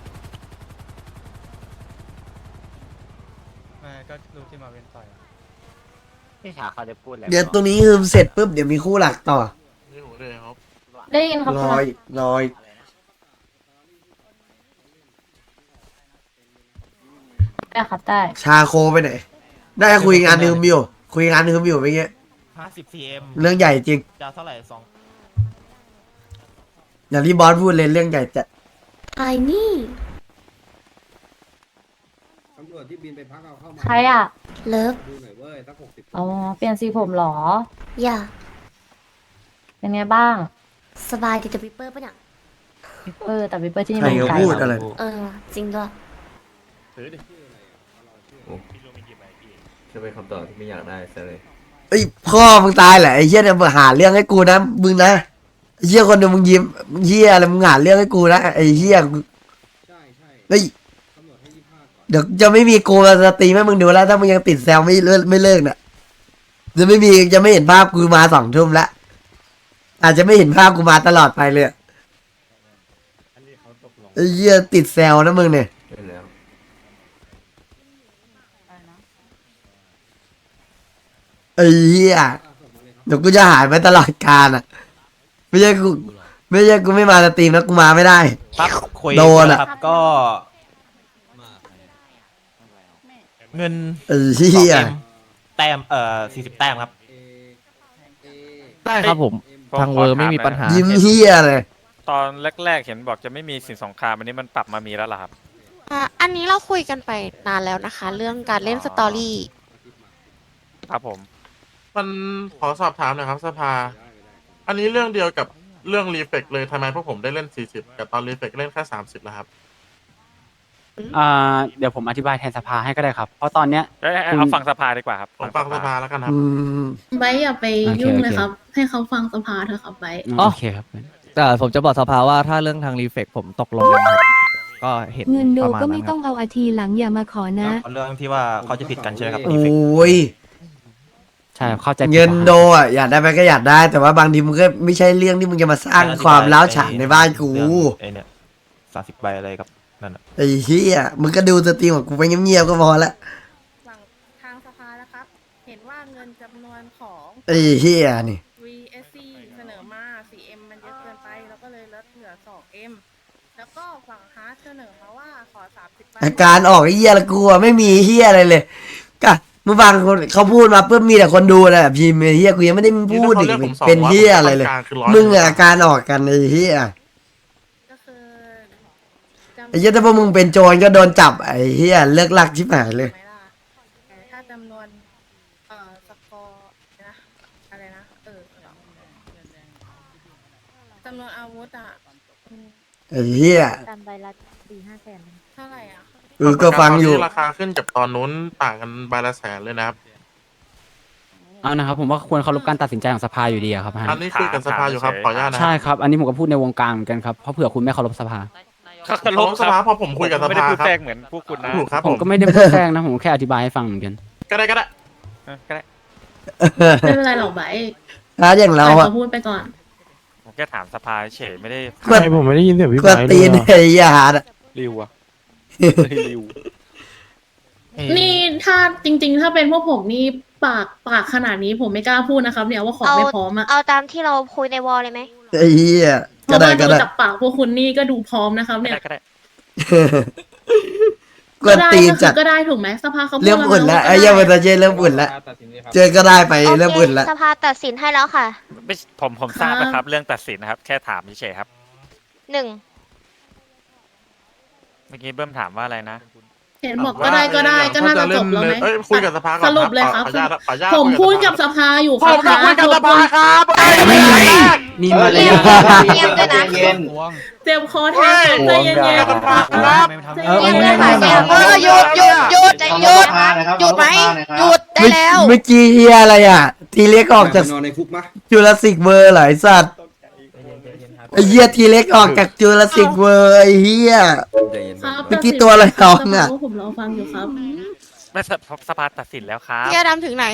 Speaker 7: ไม่ก็รู้ที่มาเว้นต่อย
Speaker 9: พี่ชาเขาจะพูดอะไร
Speaker 1: เดี๋ยวตรงนี้คือเสร็จปุ๊บเดี๋ยวมีคู่หลักต่อ
Speaker 6: นี่ผมเลยครับ
Speaker 5: ได้ยินครับ
Speaker 1: รอยรอย
Speaker 5: ได้ครับได้
Speaker 1: ชาโคไปไหนได้คุยงานนึงอยู่คุยงานนึงอยู่เมื่อกี้
Speaker 3: 50 cm
Speaker 1: เรื่องใหญ่จริง
Speaker 3: จะเท่าไหร่สอง
Speaker 1: อย่างที่บอสพูดเลยเรื่องใหญ่จะ
Speaker 13: ไอ้นี่
Speaker 14: ตำรวจที่บินไปพักเอาเข้ามา
Speaker 5: ใครอ่ะ
Speaker 13: เลิฟ
Speaker 14: ดูหน่อยเว้ยตั้ง60
Speaker 5: อ๋อเปลี่ยนสีผมเหรอ
Speaker 13: อย่า
Speaker 5: เป็นไงบ้าง
Speaker 13: สบายดีแต่วิปเปอร์ปะเนี่ย
Speaker 5: แต่วิปเปอร์ที่นี่
Speaker 1: ใคร
Speaker 5: มัน
Speaker 1: ก็
Speaker 5: ไกล
Speaker 1: พูดอะไร
Speaker 13: จริงด้วย
Speaker 12: จะเป็นคำตอบที่ไม่อยากได้ซะเลย
Speaker 1: เอ้ยพ่อมึงตายแหละไอ้เหี้ยเนี่ยมึงหาเรื่องให้กูนะมึงนะไอ้เหี้ยคนเดียวมึงยิ้มเหี้ยอะไรมึงหาเรื่องให้กูนะไอ้เหี้ย
Speaker 14: ใช่ใช่
Speaker 1: เฮ้ย
Speaker 14: ตำรวจให้25ก่อน
Speaker 1: เดี๋ยวจะไม่มีกูมาสตรีมให้มึงดูแล้วถ้ามึงยังติดแซวไม่เลิกน่ะจะไม่เห็นภาพกูมา2 ทุ่มละอาจจะไม่เห็นภาพกูมาตลอดไปเลยไอ้เหี้ยติดแซวนะมึงเนี่ย
Speaker 12: ใช่แล้ว
Speaker 1: ไอ้เหี้ยเดี๋ยวกูจะหายไปตลอดกาลอ่ะไม่ใช่กูไม่มาสตรีมแล้วกูมาไม่ได้
Speaker 3: ปั๊บคุย
Speaker 1: โดนอะ
Speaker 3: ครับก็เงิน
Speaker 1: ไอ้เหี้ย
Speaker 3: แต้ม40 แต้มครับ
Speaker 8: ได้ครับผม ทางเวอร์ไม่มีปัญหา
Speaker 1: ยิ้มเหี้ยเลย
Speaker 10: ตอนแรกๆเห็นบอกจะไม่มีสินสงครามอันนี้มันปรับมามีแล้วเหรอครับ
Speaker 13: อันนี้เราคุยกันไปนานแล้วนะคะ เรื่องการเล่นสตอรี่
Speaker 10: ครับผม
Speaker 6: มันขอสอบถามหน่อยครับสภา อันนี้เรื่องเดียวกับเรื่องรีเฟกเลยทำไมพวกผมได้เล่น40กับตอนรีเฟกเล่นแค่30แล้วครับ
Speaker 4: เดี๋ยวผมอธิบายแทนสภาให้ก็ได้ครับ เพราะตอนเนี้ย
Speaker 10: เอาฟังสภาดีกว่าครับ
Speaker 6: ผมฟังสภาแล้วกันครับ
Speaker 1: อืม
Speaker 2: ไบร์ทอย่าไปยุ่ง
Speaker 4: โอเค
Speaker 2: เลยครับ ให้เขาฟังสภาเถอะครับไบร์ท
Speaker 4: โอเคครับ
Speaker 8: แต่ผมจะบอกสภาว่าถ้าเรื่องทางรีเฟกผมตกลงกันครับ ก็เห็น
Speaker 5: เงินโด
Speaker 8: ประมาณ
Speaker 5: ก็
Speaker 8: นั้
Speaker 5: ไม่
Speaker 8: นค
Speaker 5: ต้
Speaker 8: รั
Speaker 5: อบ งเอาอาทีหลังอย่ามาขอนะ
Speaker 3: เรื่องที่ว่าเขาจะผิดกันใช่ไหมครับ
Speaker 1: โอ้ย
Speaker 4: ใช่เข้าใจผิด
Speaker 1: เงิน
Speaker 4: ครับ
Speaker 1: โดอ่ะอยากได้ไหมก็อยากได้ แต่ว่าบางทีมึงก็ไม่ใช่เรื่องที่มึงจะมาสร้างความร้าวฉานในบ้านกู
Speaker 3: ไอเนี่ย30 ใบอะไรครับนั่นน่ะ
Speaker 1: ไอ้เหี้ยมึงก็ดูสตรีมของกูไปเงียบๆก็พอละ
Speaker 5: ฝั่งทางสภาแล้วครับ เห็นว่าเงินจำนวนของ
Speaker 1: ไอ้เหี้ยนี่
Speaker 5: VSC เสนอมา 4M มันเยอะเกินไป แล้วก็เลยลดเหลือ 2M แล้วก็ฝั่งฮาร์ดเสนอมาว่าขอ 30
Speaker 1: อาการออกไอ้เหี้ยละกูอะไม่มีเหี้ยอะไรเลยก็มึงฟังคนเขาพูดมาเพื่อมีแต่คนดูแหละพิมพ์ไอ้เหี้ยกูยังไม่ได้พูดอีกเป็นเหี้ยอะไรเลย มึงอะอาการออกกันไอ้เหี้ย
Speaker 5: ก็คือ
Speaker 1: ไอ้เหี้ยถ้าพวกมึงเป็นโจรก็โดนจับไอ้เหี้ยเลิกลักชิบหายเลย
Speaker 5: ไหมล่ะแต่ถ้าจำนวนสกอร์นะอะไรนะจำนวนอาวุธอ่ะ
Speaker 1: ไอ้เหี้ย
Speaker 5: กันใบละ4-5 แสนเท่าไหร่อ่ะ
Speaker 1: ก็ฟังอยู่
Speaker 6: ราคาขึ้นกับตอนนู้นต่างกันใบละ100,000เลยนะครับ
Speaker 4: เอานะครับผมว่าควรเคารพการตัดสินใจของสภาอยู่ดีอะครับฮะ
Speaker 6: อันนี้คุยกับสภาอยู่ครับขออนุญาตนะ
Speaker 4: ใช่ครับ อันนี้ผมก็พูดในวงการเหมือนกันครับ เพราะเผื่อคุณไม่เคารพสภา
Speaker 10: เคารพ
Speaker 6: สภาพอผมคุยกับส
Speaker 10: ไม่ได้
Speaker 6: ภา
Speaker 10: พูด
Speaker 6: ครับ
Speaker 10: แทรกเหมือนพวกคุณนะ
Speaker 6: ถูกครับ
Speaker 4: ผ
Speaker 6: ผม ม
Speaker 4: ก็ไม่ได้พูดแทรกนะ ผมแค่อธิบายให้ฟังเหมือนกัน
Speaker 6: ก็ได้
Speaker 10: ก็ได้
Speaker 2: ไม่เป็นไรหรอกไบร์ท
Speaker 1: ถ้าอย่างเรา
Speaker 2: ปล่อย
Speaker 1: อะ
Speaker 2: เขาพูดไปก่อน
Speaker 10: ผมแค่ถามสภาเฉยไม่ได้
Speaker 1: กดผมไม่ได้ยินเสียงพี่ไบร์ทตีนไอ้เหี้ยหาดอะ
Speaker 10: ริวอะริว
Speaker 2: นี่ถ้าจริง ๆ ถ้าเป็นพวกผมนี่ปากขนาดนี้ผมไม่กล้าพูดนะครับ เนี่ยว่าของไม่พร้อมอะ
Speaker 13: เอาตามที่เราคุยในวอลเลยไหม
Speaker 1: ไอ้เหี้ย
Speaker 2: เพ
Speaker 1: ก็
Speaker 2: ราะ
Speaker 1: ได้
Speaker 2: ว่า
Speaker 1: ก็
Speaker 2: ดู
Speaker 1: ได้
Speaker 2: จากปากพวกคุณนี่ก็ดูพร้อมนะครับ เนี่ย
Speaker 10: ก็ได้
Speaker 1: กวนตีน
Speaker 2: ก็
Speaker 1: จัด
Speaker 2: ก็ได้ถูกไหมสภาเขาพูด
Speaker 1: เริ่มอุ่นแล้ว
Speaker 2: ก็
Speaker 1: ไอ้
Speaker 2: ได้
Speaker 1: เหี้ยมันจะเจเริ่มอุ่นแล้วเจอก็ได้ไปเริ่มอุ่นแล้ว
Speaker 13: สภาตัดสินให้แล้วค่ะ
Speaker 10: ไม่ผมทราบนะครับ เรื่องตัดสินนะครับ แค่ถามเฉยๆครับ
Speaker 13: 1
Speaker 10: เมื่อกี้เบิ้มถามว่าอะไรนะ
Speaker 2: เห็นบอกก็ได้ก็น่าจะจบแล้วไหม
Speaker 6: เอ้ยคุยกับสภาก่อน
Speaker 2: สรุปเลยครับ
Speaker 6: ขออนุญาตขออนุญาต
Speaker 2: ผมพูดกับสภาอยู่
Speaker 6: ผมจะคุยกับสภาครับ
Speaker 4: มีมาเลย
Speaker 13: เงียบด้วยนะ
Speaker 2: เจ็บคอแทนใจเย็น
Speaker 6: สภาครับ
Speaker 4: เออ
Speaker 13: เงียบด้วยค่ะหยุดหยุดไหมหยุดได้แล้ว
Speaker 1: เมื่อกี้เฮียอะไรอ่ะ ทีเล็กออกจาก
Speaker 14: นอนในคุกมะ
Speaker 1: จูราสสิกเวอร์เหรอไอสัตว์ไอเฮียทีเล็กออกจากจูราสสิกเวอร์ไอเฮีย
Speaker 2: ครับ
Speaker 1: เมื่อกี้ตัวอะไรน้องอะ
Speaker 2: ผมรอฟังอยู่ครับ
Speaker 10: ไม่สภาตัดสินแล้วครับ
Speaker 13: พี่อดำถึงไหน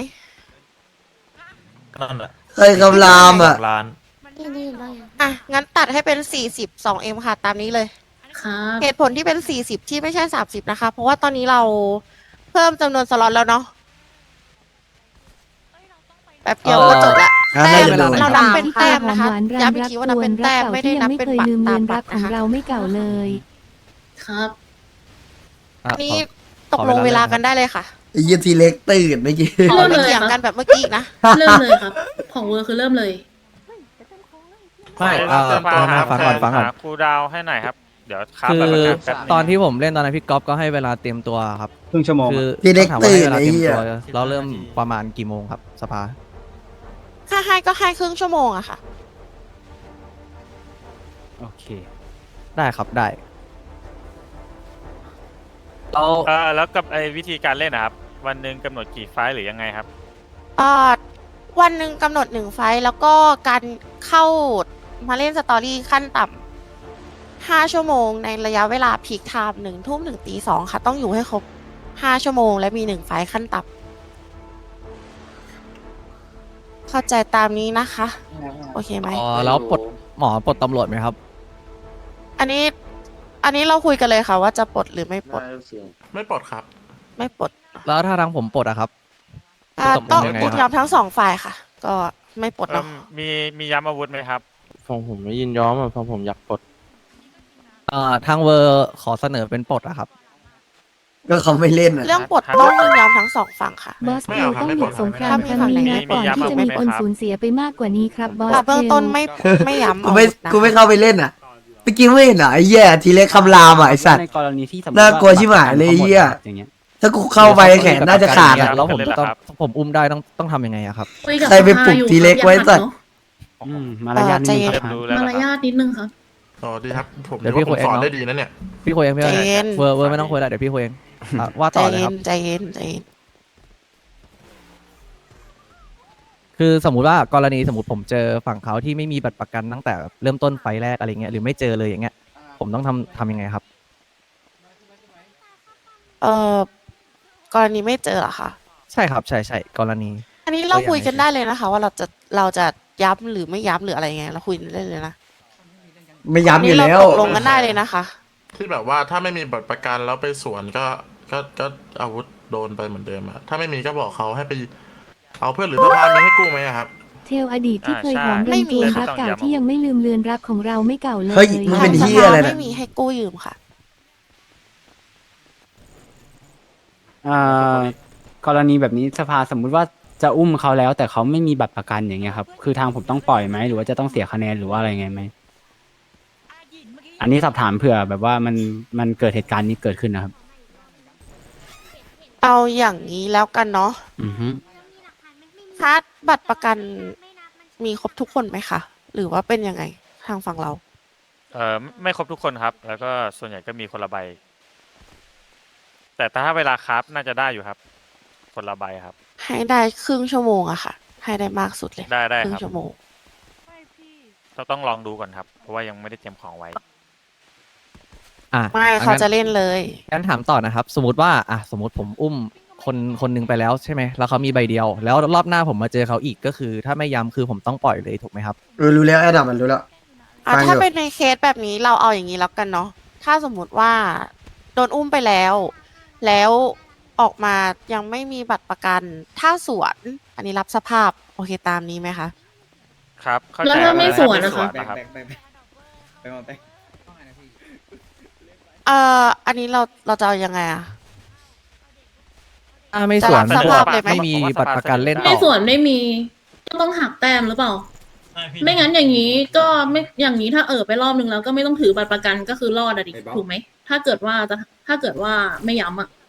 Speaker 3: นั่นแหละ
Speaker 1: เคยคำรามอ่ะ
Speaker 3: ล้าน
Speaker 13: อ่ะ งั้นตัดให้เป็น 42M ค่ะ ตามนี้เลย
Speaker 2: ครับ
Speaker 13: เหตุผลที่เป็น 40 ที่ไม่ใช่ 30 นะคะ เพราะว่าตอนนี้เราเพิ่มจำนวนสล็อตแล้วเนาะแป๊บเดียวก็จบละ
Speaker 1: อ่ะ
Speaker 13: แต้
Speaker 1: ได้
Speaker 13: ม
Speaker 1: เวลา
Speaker 13: เรานับเป็นแต้มนะคะย้ำอีกทีว่านับเป็นแต้มไม่ได้นับเป็นบัตรตามบัตรนะคะ
Speaker 2: ครับ
Speaker 8: อ่ะ
Speaker 13: นี่
Speaker 8: ขอ
Speaker 13: ตกลงเวลากันได้เลยค่ะ
Speaker 1: ไอเฮียทีเล็กตื่นเมื่อกี้
Speaker 13: ขอ
Speaker 2: เริ่ม
Speaker 13: ไม่
Speaker 2: เลย
Speaker 13: เถียง
Speaker 2: ครับ
Speaker 13: กันแบบเมื่อกี้อีกนะ
Speaker 2: เริ่มเลยครับ ของเวอร์คือเริ่มเลย
Speaker 8: ไม่
Speaker 10: สภา
Speaker 8: ฟังก่อนฟังก่อน
Speaker 10: หาครูดาวให้หน่อยครับ เดี๋ยวครับ
Speaker 8: คือ
Speaker 10: แบบประกันแป๊บนึง
Speaker 8: ตอนที่ผมเล่นตอนนั้นพี่ก๊อฟก็ให้เวลาเตรียมตัวครับ
Speaker 14: ครึ่งชั่วโมง
Speaker 8: คือ
Speaker 1: ทีเล็ก
Speaker 8: ถามว่าให้เวลา
Speaker 1: ตื่น
Speaker 8: เตรียมตัว
Speaker 1: ไอ้เหี้ย
Speaker 8: เราเริ่มประมาณกี่โมงครับสภา
Speaker 13: ถ้าให้ก็ให้ครึ่งชั่วโมงอะค่ะ
Speaker 4: โอเค
Speaker 8: ได้ครับได้เรา
Speaker 10: แล้วกับไอ้วิธีการเล่นนะครับ วันหนึ่งกำหนดกี่ไฟล์หรือยังไงครับ
Speaker 13: วันหนึ่งกำหนด1 ไฟล์แล้วก็การเข้ามาเล่นสตอรี่ขั้นต่ำ5 ชั่วโมงในระยะเวลาพีคไทม์1 ทุ่มถึงตี 2 ค่ะ ต้องอยู่ให้ครบ5 ชั่วโมงและมี1 ไฟล์ขั้นต่ำเข้าใจตามนี้นะคะ โอเคไหม
Speaker 8: อ๋อแล้วปลดหมอปลดตำรวจไหมครับ
Speaker 13: อันนี้เราคุยกันเลยค่ะ ว่าจะปลดหรือไม่ปลด
Speaker 6: ไม่ปลดครับ
Speaker 13: ไม่ปลด
Speaker 8: แล้วถ้าทางผมปลดอะครับ
Speaker 13: ต้อง
Speaker 8: ยังไงครับ
Speaker 13: ยอมทั้ง2 ฝ่ายค่ะ ก็ไม่ปลดเนาะ
Speaker 10: มีย้ำอาวุธไหมครับ
Speaker 3: ฟังผมไม่ยินยอมอ่ะฟังผมอยากปลด
Speaker 8: ทางเวอร์ขอเสนอเป็นปลดอะครับ
Speaker 1: ก็เขาไม่เล่นอ่ะ
Speaker 13: เรื่องปลดต้องยินยอมทั้ง2 ฝั่งค่ะ
Speaker 5: บอส
Speaker 6: ไม่
Speaker 5: เท
Speaker 6: เอา
Speaker 5: ล
Speaker 6: ครับ
Speaker 5: ต้อง
Speaker 6: ไม่
Speaker 5: ห
Speaker 6: ปล
Speaker 5: ยุ
Speaker 6: ด
Speaker 5: ดสงคราม
Speaker 10: ครับ
Speaker 5: ครั้งนี้นะ
Speaker 10: มี
Speaker 5: ก่อน
Speaker 10: ย้ำ
Speaker 5: ที่จะมี
Speaker 10: ไหม
Speaker 5: คน
Speaker 10: ครับ
Speaker 5: สูญเสียไปมากกว่านี้ครับบอส
Speaker 13: เบื้อง
Speaker 5: เท
Speaker 13: ต้น
Speaker 5: ล
Speaker 13: ไม่ย้ำ
Speaker 1: กูไม่
Speaker 13: อาวุธนะ
Speaker 1: กูไม่เข้าไปเล่นอ่ะเมื่อกี้ไม่เห็นเหรอไอ้เหี้ยทีเล็กคำรามอ่ะไอสัตว์
Speaker 4: ในกรณีที่สมมติ
Speaker 1: น่ากลัวชิบหายเลยไอ้เหี้ย
Speaker 4: อย่างเงี้ย
Speaker 1: ถ้ากูเข้าไปแขนน่าจะขาดอ่ะ
Speaker 8: แล้วผม
Speaker 10: เลยเหรอ
Speaker 8: ต้อง
Speaker 10: ครับ
Speaker 8: ผมอุ้มได้ต้องทำยังไงอะครับ
Speaker 2: คุยกับ
Speaker 1: ใครไปปลุก
Speaker 2: สภาอยู่
Speaker 1: ทีเล็ก
Speaker 2: ครับ
Speaker 1: ไว้
Speaker 2: อย่า
Speaker 1: สั
Speaker 2: ขั
Speaker 1: ต
Speaker 2: ด
Speaker 1: ว์
Speaker 2: เนาะ
Speaker 4: มารยาทนิดนึง
Speaker 10: เริ่ม
Speaker 4: ครับ
Speaker 10: รู้แล้ว
Speaker 2: มา
Speaker 10: นะ
Speaker 2: ร
Speaker 10: ครับ
Speaker 2: ยาทนิดนึงครับ
Speaker 6: อ๋อดีครับ ผม
Speaker 8: เดี๋ยว
Speaker 6: ว่า
Speaker 8: พี่
Speaker 6: ผมสอน
Speaker 8: คุยเองเนอะ
Speaker 6: ได้ดีนะเนี่ย
Speaker 8: พี่คุยเองพี่
Speaker 13: ใจเย็น
Speaker 8: เวอร์ไม่ต้องคุยแล้วเดี๋ยวพี่คุยเองว่า
Speaker 13: ใจ
Speaker 8: ต่อเลย
Speaker 13: เย็
Speaker 8: ครับ
Speaker 13: นใจเย็นใจเย็น
Speaker 8: คือสมมุติว่ากรณีสมมติผมเจอฝั่งเขาที่ไม่มีบัตรประกันตั้งแต่เริ่มต้นไฟล์แรกอะไรเงี้ยหรือไม่เจอเลยอย่างเงี้ยผมต้องทำยังไงครับ
Speaker 13: กรณีไม่เจอเหรอคะ
Speaker 8: ใช่ครับใช่กรณี
Speaker 13: อันนี้เราคุยกันได้เลยนะคะ ว่าเราจะย้ำหรือไม่ย้ำหรืออะไรไงเราคุยกันได้เลยนะ
Speaker 1: ไม่ย้ำอยู่
Speaker 13: นี่เรา
Speaker 1: แล้ว
Speaker 13: ตกลงกันได้เลยนะคะ
Speaker 6: ที่แบบว่าถ้าไม่มีบัตรประกันแล้วไปสวนก็อาวุธโดนไปเหมือนเดิมอะถ้าไม่มีก็บอกเขาให้ไปเอาเพื่อนหรือสภามีให้กู้ไหมอะครับ
Speaker 5: เทลอดีตที่เคยหอม
Speaker 10: ใช่
Speaker 5: เรือนจูน
Speaker 10: ไม่มี
Speaker 5: รักเก่าที่ยังไม่ลืมเลือนรักของเราไม่เก่าเลย
Speaker 1: เฮ้ยมึงเป็นเหี้ยอะไรนะ
Speaker 13: ไม่มีให้กู้ยืมค่ะ
Speaker 4: กรณีแบบนี้สภาสมมุติว่าจะอุ้มเขาแล้ว แต่เขาไม่มีบัตรประกันอย่างเงี้ยครับ คือทางผมต้องปล่อยไหมหรือว่าจะต้องเสียคะแนนหรือว่าอะไรไงไหมอันนี้สอบถามเผื่อแบบว่ามันเกิดเหตุการณ์นี้เกิดขึ้นนะครับ
Speaker 13: เอาอย่างนี้แล้วกันเนาะ
Speaker 4: อือฮึ
Speaker 13: คัดบัตรประกันมีครบทุกคนไหมคะหรือว่าเป็นยังไงทางฝั่งเรา
Speaker 10: ไม่ครบทุกคนครับ แล้วก็ส่วนใหญ่ก็มีคนละใบ แต่ถ้าเวลาครับน่าจะได้อยู่ครับ คนละใบครับ
Speaker 13: ให้ได้ครึ่งชั่วโมงอะค่ะ ให้ได้มากสุดเลย
Speaker 10: ได้
Speaker 13: ครึ่
Speaker 10: ค
Speaker 13: ง
Speaker 10: รับ
Speaker 13: ชั่วโมง
Speaker 10: ต้องลองดูก่อนครับ เพราะว่ายังไม่ได้เตรียมของไว้
Speaker 13: ไม่เขาจะเล่นเลย
Speaker 8: งั้นถามต่อนะครับ สมมติว่าสมมติผมอุ้มคนหนึงไปแล้วใช่ไหมแล้วเขามีใบเดียว แล้วรอบหน้าผมมาเจอเขาอีกก็คือ ถ้าไม่ย้ำคือผมต้องปล่อยเลยถูกไหมครับ
Speaker 1: รู้แล้วไอ้ดำมันรู้แล้วฟังอยู่
Speaker 13: ถ้าเป็นในเคสแบบนี้เราเอาอย่างนี้แล้วกันเนาะ ถ้าสมมุติว่าโดนอุ้มไปแล้ว แล้วออกมายังไม่มีบัตรประกัน ถ้าสวน อันนี้รับสภาพโอเคตามนี้ไหมคะ
Speaker 10: ครับเข้าใจ
Speaker 2: แล้วถ้าไม่สวนนะคะ
Speaker 10: ครับ
Speaker 14: ไปมาไป
Speaker 13: อันนี้เราจะเอายังไงอะ
Speaker 8: ไม่สวน
Speaker 13: จะรับสภาพเลยไหม
Speaker 8: ไม่มีบัตรประกันเล่นต่
Speaker 2: ไม่
Speaker 8: อ
Speaker 2: ส่วนไม่มีก็ต้องหักแต้มหรือเปล่า ไม่งั้นอย่างนี้ก็ไม่อย่างนี้ถ้าไปรอบนึงแล้วก็ไม่ต้องถือบัตรประกันก็คือรอดอะดิถูกไหมถ้าเกิดว่าไม่ย้ำอะ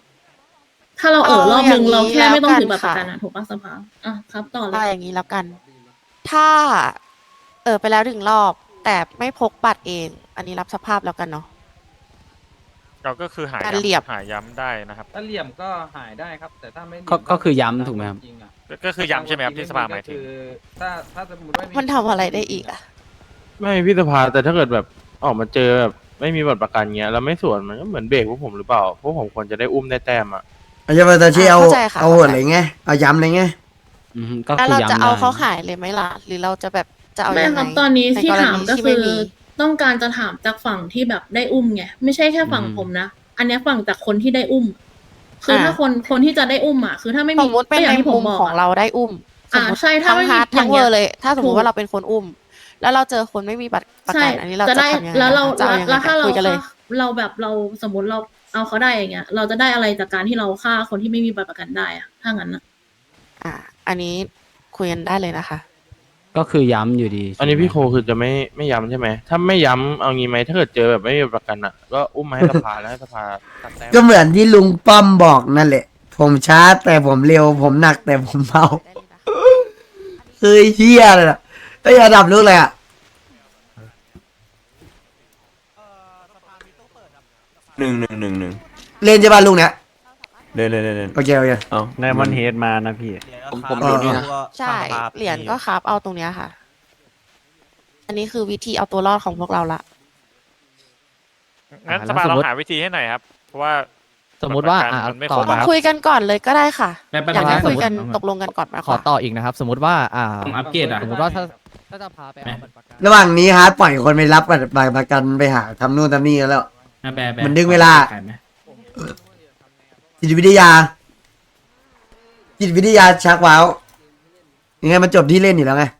Speaker 2: ถ้าเรารอบนึง
Speaker 13: เอาอย่างนี้
Speaker 2: เราแค่ไม่ต้องถือ
Speaker 13: แล้
Speaker 2: บั
Speaker 13: ว
Speaker 2: ตร
Speaker 13: กัน
Speaker 2: ประกันอะถูกปะสภาอ่ะครับต่อเล
Speaker 13: เอา
Speaker 2: ย
Speaker 13: อย่างนี้แล้วกัน ถ้า ไปแล้ว1 รอบ แต่ไม่พกบัตรเอง อันนี้รับสภาพแล้วกันเนาะ
Speaker 10: เราก็คือหา
Speaker 13: การเหลี่ยม
Speaker 10: หาย้ำได้นะครับ
Speaker 14: ถ้าเหลี่ยมก็หายได้ครับ แต่ถ้าไม่เหลี่
Speaker 4: ก็
Speaker 14: ยม
Speaker 4: ก็คือย้ำถูกไหมครับ
Speaker 14: จริงๆอะ
Speaker 10: ก็คือย้ำใช่ไหมครับที่สภาหมายถึง
Speaker 14: ก็คือถ้าสมมติว่า
Speaker 13: มันทำอะไรได้อีกอะ
Speaker 15: ไม่พี่สภาแต่ถ้าเกิดแบบออกมาเจอแบบไม่มีบัตรประกันเงี้ยแล้วไม่สวนมันก็เหมือนเบรกพวกผมหรือเปล่าพวกผมควรจะได้อุ้มได้แต้มอ่ะ
Speaker 1: อาจจะมาตาชีเอา
Speaker 13: เข้าใจค่ะ
Speaker 1: เอาอะไรเงี้ยเอาย้ำอะไรเงี้ย
Speaker 4: ก็
Speaker 13: แล้ว
Speaker 4: คือ
Speaker 13: เราจะ
Speaker 4: ย้ำ
Speaker 13: เอา
Speaker 4: ได้
Speaker 13: เขาขายเลยไหมล่ะ หรือเราจะแบบจะเอา
Speaker 2: ไม่
Speaker 13: ยัง
Speaker 2: ค
Speaker 13: ไง
Speaker 2: รับตอนนี้
Speaker 13: ใน
Speaker 2: ที่
Speaker 13: กร
Speaker 2: ถาม
Speaker 13: ณี
Speaker 2: ก็
Speaker 13: ที่
Speaker 2: คื
Speaker 13: ไม่
Speaker 2: อ
Speaker 13: มี
Speaker 2: ต้องการจะถามจากฝั่งที่แบบได้อุ้มไงไม่ใช่แค่ฝั่งผมนะ อันเนี้ยฝั่งจากคนที่ได้อุ้ม คือถ้าคนที่จะได้อุ้มอ่ะคือถ้าไม่
Speaker 13: ส
Speaker 2: มี
Speaker 13: มมติเป็น
Speaker 2: ก็อย่า
Speaker 13: ใน
Speaker 2: งที่ผ
Speaker 13: มุ
Speaker 2: ม
Speaker 13: ม
Speaker 2: บอก
Speaker 13: ของ
Speaker 2: อะ
Speaker 13: เราได้อุ้มสมมติ
Speaker 2: ใช่ถ้า
Speaker 13: ทั้ง
Speaker 2: ไม่มี
Speaker 13: ฮาร์ด
Speaker 2: อ
Speaker 13: ทั้
Speaker 2: ย่าง งเงี้
Speaker 13: เวย อร์เลย ถ้าสมม
Speaker 2: ถู
Speaker 13: ติ
Speaker 2: ก
Speaker 13: ว่าเราเป็นคนอุ้ม แล้วเราเจอคนไม่มีบัตรประ
Speaker 2: ใช่
Speaker 13: กันอันนี้เราจะ
Speaker 2: ได้
Speaker 13: ทำยังไง
Speaker 2: แล้วเรา
Speaker 13: จะเอายังไง
Speaker 2: แล้วถ้าเรา
Speaker 13: คุยกันเลย
Speaker 2: เราแบบเราสมมติเราเอาเขาได้อย่างเงี้ย เราจะได้อะไรจากการที่เราฆ่าคนที่ไม่มีบัตรประกันได้อะถ้างั้นอะ
Speaker 13: อันนี้คุยกันได้เลยนะคะ
Speaker 4: ก็คือย้ำอยู่ดี
Speaker 15: อันนี้พี่โคคือจะไม่ย้ำใช่ไหมถ้าไม่ย้ำเอางี้ไหมถ้าเกิดเจอแบบไม่มีประกันอ่ะก็อุ้มมาให้สภาแล้วให้สภาตัดแต้ม
Speaker 1: ก็เหมือนที่ลุงป้อมบอกนั่นแหละ ผมช้าแต่ผมเร็ว ผมหนักแต่ผมเบาเฮ้ยเฮียเลยนะไอ้ยระดับลูกเลยอ่ะ
Speaker 12: 1
Speaker 1: เล่นใช่ป่ะลุงเนี้ย
Speaker 12: เล่น
Speaker 1: โอเคโอเค
Speaker 12: เอา
Speaker 4: ไดมอนด์เฮดมานะพี่
Speaker 3: ผม
Speaker 1: ดูนี่นะ
Speaker 13: ใช่ เหรียญก็ครับเอาตรงเนี้ยค่ะ อันนี้คือวิธีเอาตัวรอดของพวกเราละ
Speaker 10: งั้น
Speaker 8: แล้ว
Speaker 10: สภา
Speaker 8: สม
Speaker 10: เรา
Speaker 8: มุติ
Speaker 10: หาวิธีให้หน่อยครับ เพราะว่า
Speaker 8: สมมุติว่า
Speaker 10: บัตรประกันมันไม่
Speaker 8: ต่
Speaker 10: คร
Speaker 8: อบ นะ
Speaker 10: อะ
Speaker 13: คุยกันก่อนเลยก็ได้ค่ะ อยากให้คุยกัน
Speaker 8: สมมุติ
Speaker 13: ตกลงกันก่อนไหม
Speaker 8: ขอ
Speaker 13: คะ
Speaker 8: ต่ออีกนะครับ สมมติว่า
Speaker 14: อัปเกรดอะ
Speaker 8: สมมติว่าถ้าจะพาไปเอาบัตรประกัน
Speaker 1: ระหว่างนี้ฮาร์ดปล่อยคนไปรับบัตรประกันไปหาทำนู่นทำนี่กันแล้ว มันดึงเวลา จิตวิทยา จิตวิทยาชักว้าวยังไงมันจบที่เล่นอยู่แล้วไง